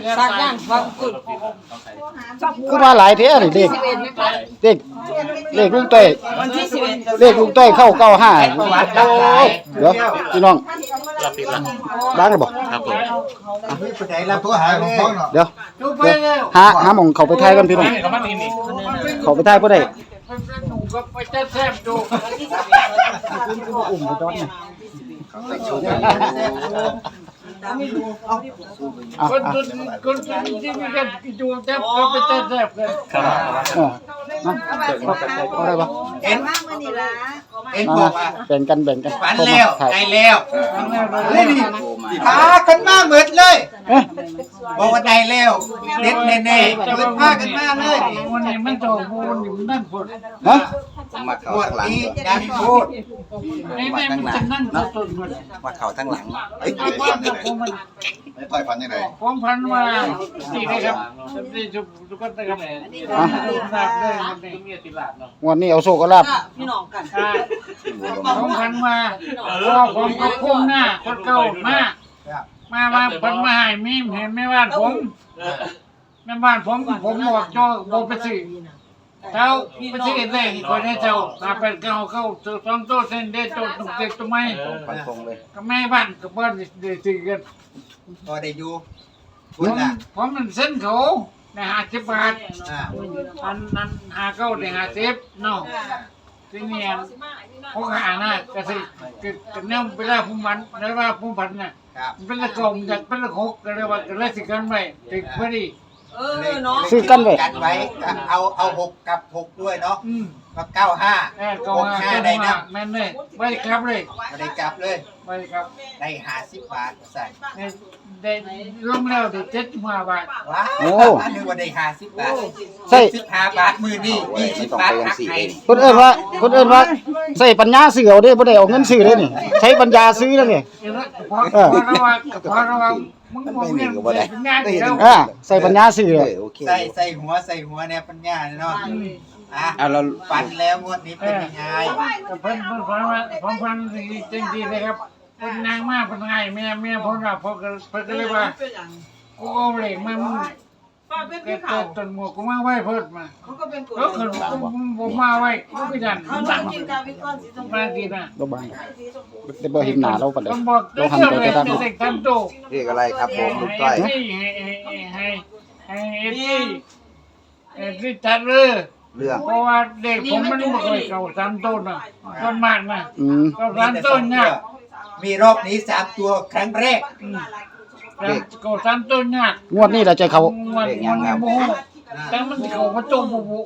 สักย่างฟังกุดคือมาหลายเท่านี่เลขลุงต้อยวันที่11 เลขลุงต้อยเข้า95โอ้เดี๋ยวพี่น้องบ้างเลยบ่ครับผมไปไหนแล้วตัวหาของพ่อเนาะเดี๋ยวหาหม่องเข้าไปทายกันพี่น้องเข้าไปทายบ่ได้อุ้มไปจอดนี่คนที่มีกันอยู่แทบก็ไปแทบเลยเอาได้ปะเอ็นบอกว่าแบ่งกันฝันแล้วไกลแล้วเลยนี่พากันมาเหมือนเลยบอกว่าได้แล้วเด็ดแน่ๆเลยพากันมาเลยวันนี้มันโตบูนอยู่นั่นฝนฮะมาเข่าปวดทั้งหลังนี้ดังพูดนี่แม่มันจะนั่งต้นหมดมาเข่าทั้งหลังไม่ต่อยฟันยังไงผมพันมาสี่เลยครับสี่ทุกคนนะครับทราบเลยวันนี้วันนี้เอาโชคเอาลาบพี่น้องกันผมพันมาผมก็พุ่งหน้าคนเก่ามาพันมาให้มีเห็นแม่บ้านผมแม่บ้านผมบอกจอบอกไปสิเจ้าไปสิเองคนให้เจ้าถ้าเป็นเก่าเข้าสองโต๊ะเส้นเด็ดโต๊ะตุกเด็กตัวไม่ฟันตรงเลยก็แม่บ้านกับบ้านเดือดกันพอได้อยู่พูดละผมมันเส้นเขาใน50 บาทนั้นหาเก้าใน50เนาะที่นี่พวกหาน่ะก็สิก็เนี่ยเวลาผมมันแล้วว่าผมพันน่ะครับเป็นละกองจากเป็นละหกก็เลยว่าก็เลยสิกันไว้ติดพอดีเนาะซื้อกันไว้กันไว้เอา6กับ6ด้วยเนาะอืมก็95 ก็มา 65ได้นะแม่นเลยไว้ครับเลยไม่ได้กลับเลยไว้ครับได้50 บาทใส่ได้ลงแล้วได้75 บาทว้าวนึกว่าได้50 บาทใช่ 15 บาทมือนี่20 บาทหักให้คนเอิ้นว่าใส่ปัญญาซื้อเอาเด้บ่ได้เอาเงินซื้อเด้นี่ใช้ปัญญาซื้อแล้วนี่พอระวังมึงบอกเรื่องเป็นงานเดียวใส่ปัญญาซื้อโอเคใส่หัวเนี่ยปัญญาเนาะเอาเราฟันแล้วงวดนี้เป็นยังไงเพิ่นฟังว่าผมฟังดีจริงๆเลยครับเป็นนางมากเป็นไงแม่ผมว่าพอเพิ่นก็เลยว่ากูเอาเหล็กมามึงเกิดต้นหมวกกูมาไว้เพิ่นมาแล้วคือผมมาไว้กูก็ยันมาดีนะบ่บางแต่บ่เห็นหน้าเราปานใดต้องบอกเราหันไปแต่ทางเด็กทำโตเรียกอะไรครับผมลูกต้อยให้จัดเลยเรื่องเพราะว่าเด็กผมมันไม่เคยเก่าสามต้นนะต้นมากนะเก่าสามต้นเนี่ยมีรอบนี้3ตัวครั้งแรกเก่าสามต้นเนี่ยงวดนี้เราจะเขามันโมโหแต่มันเก่ามาโจมบุบุ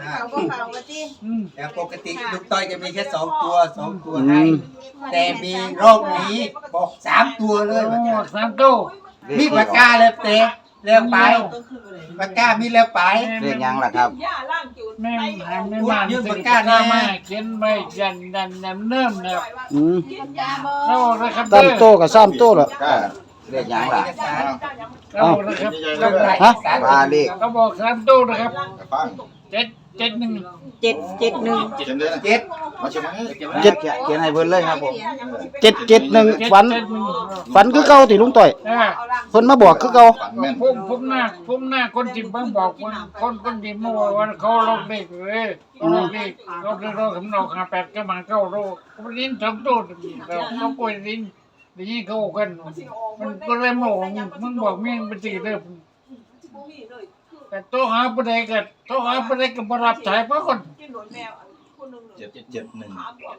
แต่ปกติลูกต้อยจะมีแค่2ตัวให้แต่มีรอบนี้บอก3ตัวเลยสามต้นมีปากกาเลยเตะเร็วไปปากกามีเร็วไปเรียกยังล่ะครับแม่หายไม่มาเขียนใบยันเนิ่มนะครับเราเลยครับ 3โตกับ3โตล่ะก็เรียกยังล่ะเรานะครับฮะว่าเลขเขาบอกสามต้นนะครับฟัง 771 เจ็ดเดือน 7 มาใช่ไหมเขียนให้เพิ่นเลยครับผม 771ฝันคือเก่าติลุงต้อยเพิ่นมาบอกคือเก่าฝันแม่นผมหน้าคนที่บ้างบอกคนที่มาบอกว่าเขาลงเด็กเลยเขาลงเด็กเขาเรียกผมเรา58ก็มาเข้าโรเขาลิ้น2ตัวเราเขาป่วยลิ้นนี่เขากันมันก็เลยโมมึงบอกมึงเป็นสิเด้อแต่โตหาบ่ได้ก็บ่รับสายเพราะคน 771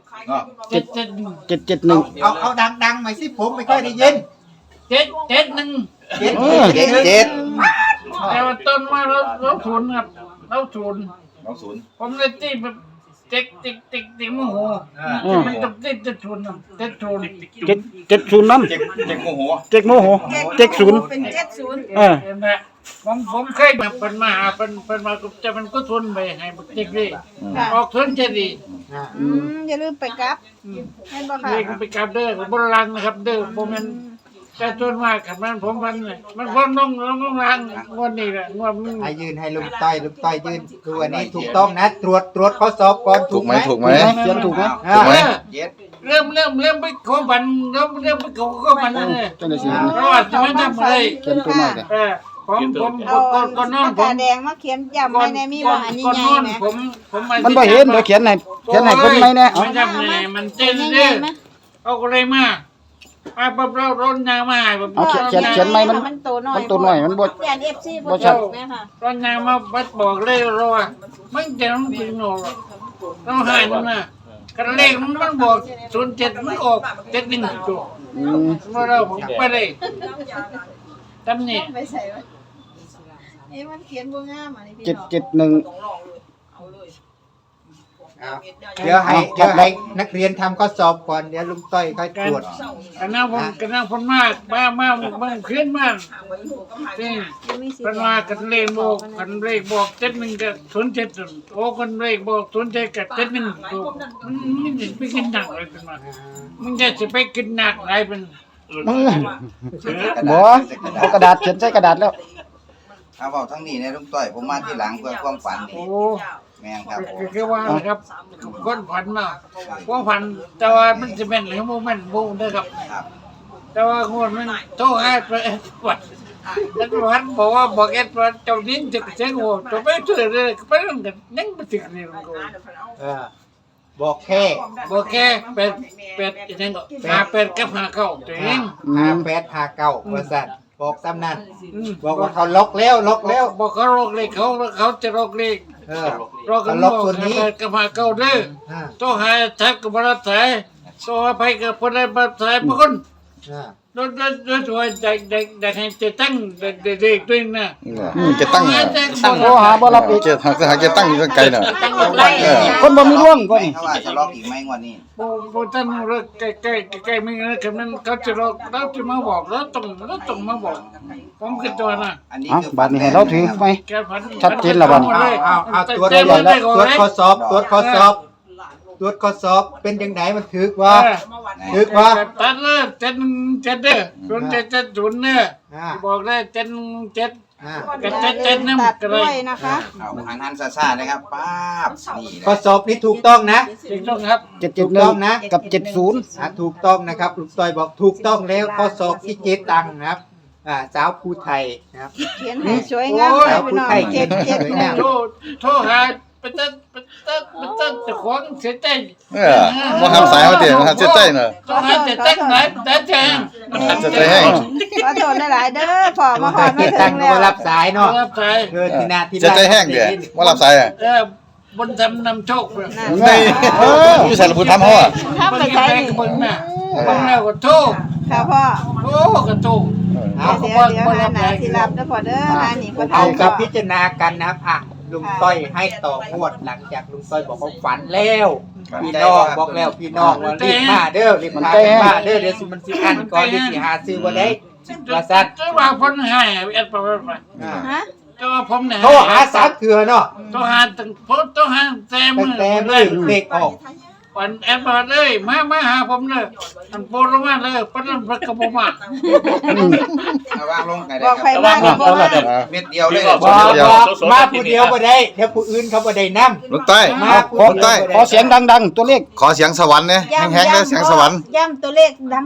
771 เอาดังๆหน่อยสิผมไม่ค่อยได้ยิน 771 เจ็ดแต่ว่าต้นมาเราศูนย์ครับเราศูนย์ 20 ผมเลยตีแบบติ๊กโมโหมันต้องติ๊กจะศูนย์ติ๊กศูนย์ 770นำเจ็กโมโห 7โมโห70 เป็น70 เห็นไหมผมเคยแบบเป็นมาหาเป็นมาจะมันก็ทุนไปให้ติ๊กดิออกทุนจะดีอย่าลืมไปกลับแม่นบ่ค่ะเด็กไปกับเด้อกับบนลังนะครับเด้อผมมันแต่ทุนมากขับมันผมมันพ้นน้องลังวันนี้แหละว่ามึงให้ยืนให้ลุงต้อยยืนคือวันนี้ถูกต้องนะตรวจข้อสอบก่อนถูกไหมเขียนถูกไหมเจ็ดเริ่มไปขอบันเริ่มไปขอบันเลยจังได๋สิเพราะว่าจะไม่ทำอะไรเขียนตัวน้อยเด้อผมเอาก่อนนอนปากผกาม แดงมาเขียนย้ำไว้ในมีบ่อันนี้ก่อนใหนญ่อนไหมผมมันบ่เห็นเดี๋ยวเขียนให้เพิ่นไหมเนี่ยเอาไม่จำเลยมันเจ๊ใหญ่เด้อไหมเอาก็เลยมาปั๊บเราร้นยางมาให้ผมเอาเขียนไหมมันโตหน่อยมันตัวน้อยมันบ่แกน FC บ่ชัดแม่ค่ะร้นยางมาบัดบอกเลยเราว่ามันจะต้องกินโน่ต้องหายมันนะกันเลขมันบอก07มันออก71ตัวอืมเราผมไปเลยตำนี่ไปใส่ไว้มันเขียนบ่งามอันนี้พี่น้อง 771 เดี๋ยวให้นักเรียนทำข้อสอบก่อนเดี๋ยวลุงต้อยค่อยตรวจกันนั่งผมมากมาขึ้นมากจริงมีสิเป็นว่ากันเลขบอก71กับ07โอ้กันเลขบอก07กับ71ตัวมันจะไปกินหนักอะไรเป็นมามันจะไปกินหนักอะไรเป็นมึงบ่เอากระดาษเขียนใส่กระดาษแล้วเอาเว้าทั้งนี้เนี่ยลุงต้อยผมมาที่หลังเพื่อความฝันนี่โอ้แม่นครับผมคือว่านะครับคนฝันมาว่าฝันแต่ว่ามันจะเป็นหรือโมเมนต์บูมด้วยครับครับแต่ว่าคนมันโทษให้ไปวัดแล้วพันบอกเอ็ดว่าเจ้าดินจะเสียงโง่ตัวไปเถื่อนเลยไปเรื่องกันยังไม่ถึงนี่มันก็บอกแค่บอกแค่เป็ดยังก็หาเป็ดกับหาเข้าตัวเอง 5859ว่าซั่นบอกซ้ำนั้นบอกว่าเขาล็อกแล้วบอกเขาโรคเลยเขาจะโรคเลย โรคกันเขาโรล็อกคส่วนนี้กับหาเข้าเด้ออ่าต้องหาแทบกับบรัสายต้องหาไปกับคนใดบรัสายบางคนอ่าโดยเด็กให้จะตั้งเด็กด้วยนะจะตั้งตั้งโทรหาบ่รับอีกจะตั้งอยู่ไกลน่ะคนบ่มีร่วงก่อนเขาว่าจะล็อกอีกไหมงวดนี้โบตั้งรถใกล้ไม่นะคำนั้นเขาจะรอเราจะมาบอกแล้วต้องมาบอกผมคือตัวน่ะอันนี้อ่ะคือบัดนี้ให้เราถือไหมแกพันชัดเจนแล้วบัดเอาตรวจข้อสอบตรวจข้อสอบเป็นจังไดมันถึกว่าถึกว่าตัดเลยเจ็ดเด้อ0770เนี่ยบอกได้7 อ่ากับ7นั่นตัดก็เลด้วย ยนะคะเอาหันซ่าๆนะครับป๊าบนี่แหข้อละสอบนี้ถูกต้องนะถูกต้องครับถูกต้องนะ 771กับ70 ถูกต้องนะครับลุงต้อยบอกถูกต้องแล้วข้อสอบที่เจ๊ตังนะครับสาวภูไทยนะครับเขียนให้สวยงามเลยพี่น้อง771 โทรหาไปตัดจะขวางเสียใจบ่ทำสายเขาเดี๋ยวเสียใจน่ะต้องหาจะแต่งไหนแต่แจ้งจะใจแห้งขอโทษหลายๆเด้อพ่อมาขอมาเจ๊ถึตังงก็แล้วมารับสายเนาะรับสายที่นาที่จะใจแห้งเดี๋ยวบ่รับสายอ่ะบนทำนำโชคเลยนี่อยู่ใส่ละพูดทำเฮาอ่ะถ้าไปใช้นี่บนน่ะบนแล้วก็โทษค่ะพ่อโอ้ก็โทษเดี๋ยวหาหนาสิรับเด้อพ่อเด้อหานี่พ่อเอาทำกับพิจารณากันนะครับลุงต้อยให้ต่องวดหลังจากลุงต้อยบอกว่าฝันแล้วพี่น้องบอกแล้วพี่น้องว่ารีบมาเด้อรีบมาเด้อเดี๋ยวมันสิอันก่อนเดี๋ยวสิหาซื้อบ่ได้ว่าซั่นจะว่าพ้นให้เอ็ดประมาณฮะจะว่าผมเนี่ยโทรหา3เทื่อเนาะต้องหาตั้งต้องหาแต่ตั้มืงอแต่เลมื้อย เลขออกวันแอดมาเลยมาหาผมเลยอันโปรมาเลยเพราะนั้นพระกบมาเอาวางลงกันบได้อกคใครรับมาก็บอกว่าเม็ดเดียวเลยบอกมาผู้เดียวบ่ได้เดี๋ยวผู้อื่นเขาบ่ได้นำลูกใต้มาผู้ขอเดียวบ่ขอได้เสียงดังๆ ตัวเลขขอเสียงสวรรค์เนี่ยแห้งๆเลยเสียงสวรรค์ย้ำตัวเลขดัง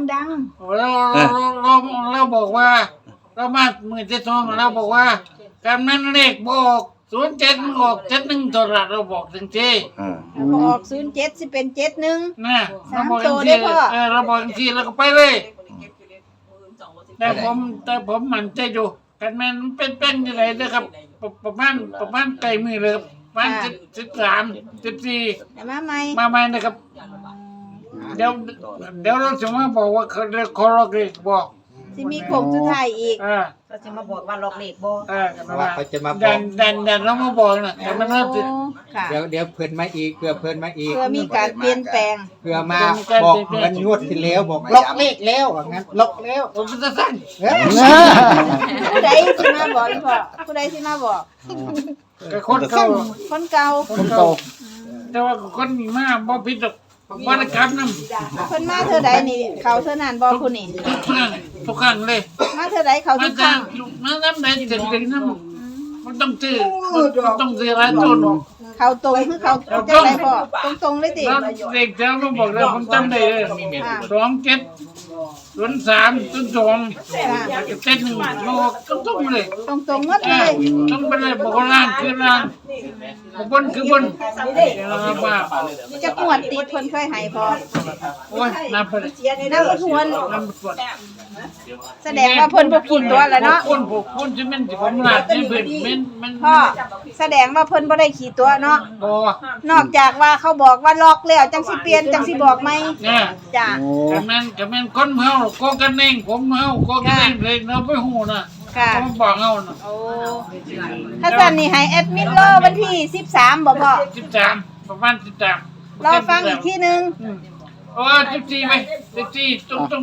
เราบอกว่าเรามามือที่สองเราบอกว่าการนั้นเลขบอก07ออก71ตัวละเราบอกจริงๆพอออก07สิเป็น71 ๆนะเราบอกจริงเราบอกจริงแล้วก็ไปเลยแต่ผมมันใจอยู่กันแม่นเป็นยังไงนะครับประมาณไกลมือเลยประมาณ13 14 แต่มาใหม่มาใหม่นะครับ เดี๋ยวเราจะมาบอกว่าเขาเรียกคอร์กบอกสิมีโค้งสุดท้ายอีกก็จะมาบอกว่าล็อกเลขบ่ว่าเขาจะมาบดัอกนเรามาบอกนะแต่มันน่าจะค่ะเดี๋ยวเพิ่นมาอีกเพื่อเพิ่นมาอีกเพื่อมีการเปลี่ยนแปลงเพื่อมาบอกเหมือนงวดที่แล้วบอกล็อกเลขแล้วว่างั้นล็อกแล้วผมจะสั่งเอ้ยผู้ใดสิมาบอกอีพ่อผู้ใดสิมาบอกกับคนเก่าคนเก่าคนเก่าแต่ว่าคนมีมาบ่ผิดหรอกวรกรรมนั่นเพิ่นมาเท่าใดนี่เขาเท่านั้นบ่ผู้นี่ทุกครั้งเลยมาเท่าใดเขามาทุกคจารั้กงมาน้ำไหนเด็กๆน้ำมันต้องซื้ออะไรจนเขาตรงคือเขาจังไดพ่อตรงๆเลยติแล้วเด็กแล้วเราบอกเลยผมจำได้เลย27 03 02แล้วก็เต้นโลกต้องเลยตรงๆหมดเลยต้องไปเลยบอกว่าล่างคือล่างบนคือบนว่าจะงวดติดเพิ่นเคยให้พอโอ้ยน้ำไปเลยน้ำบ่ทวนน้ำปวดแสดงว่าเพิ่นบ่กินตัวแล้วเนาะคนผูกคนจะเป็นที่ผมลาดนี่เพิ่นมันพ่อแสดงว่าเพิ่นบ่ได้ขี่ตัวเนาะบ่นอกจากว่าเขาบอกว่าล็อกแล้วจังสิเปลี่ยนจังสิบอกไหมเนี่ยจ้ะโอ้ก็แม่นคนเฮาโกกันเองผมเฮาโกกันเองเลยเราไปฮู้น่ะค่ะผมบอกเฮาน่ะโอ้ถ้าซั่นนี่ให้แอดมินรอวันที่13บ่พ่อ 13ประมาณ13 รอฟังอีกทีนึงโอ้14ไป14ตุ้ง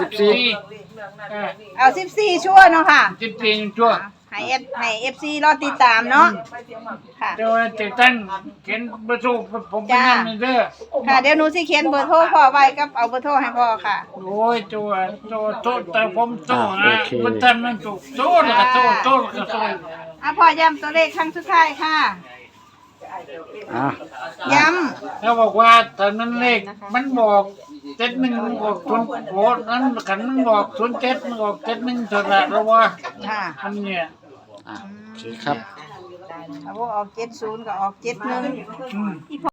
14 เอา14ชั่วเนาะค่ะ 14ชั่วให้ FC รอติดตามเนาะค่ะเดี๋ยวจะตั้งเขียนเบอร์โทรผมไปนั่นเด้อค่ะเดี๋ยวหนูสิเขียนเบอร์โทรพ่อไว้กับเอาเบอร์โทรให้พ่อค่ะโอ้ยตัวแต่ผมโตฮะมันทำมันถูกโตแล้วก็โตแล้วก็โตอ่ะพ่อย้ำตัวเลขครั้งสุดท้ายค่ะอ่ะย้เขาบอกว่าตอนนั้นเลขมันบอก71บอก0โอ้นั้นขันมันบอก07มันบอก71เท่านั้นแล้วว่าำค่ะอันเนี้ยอ่ะโอเคครับเอาบ่ออก70ก็ออก71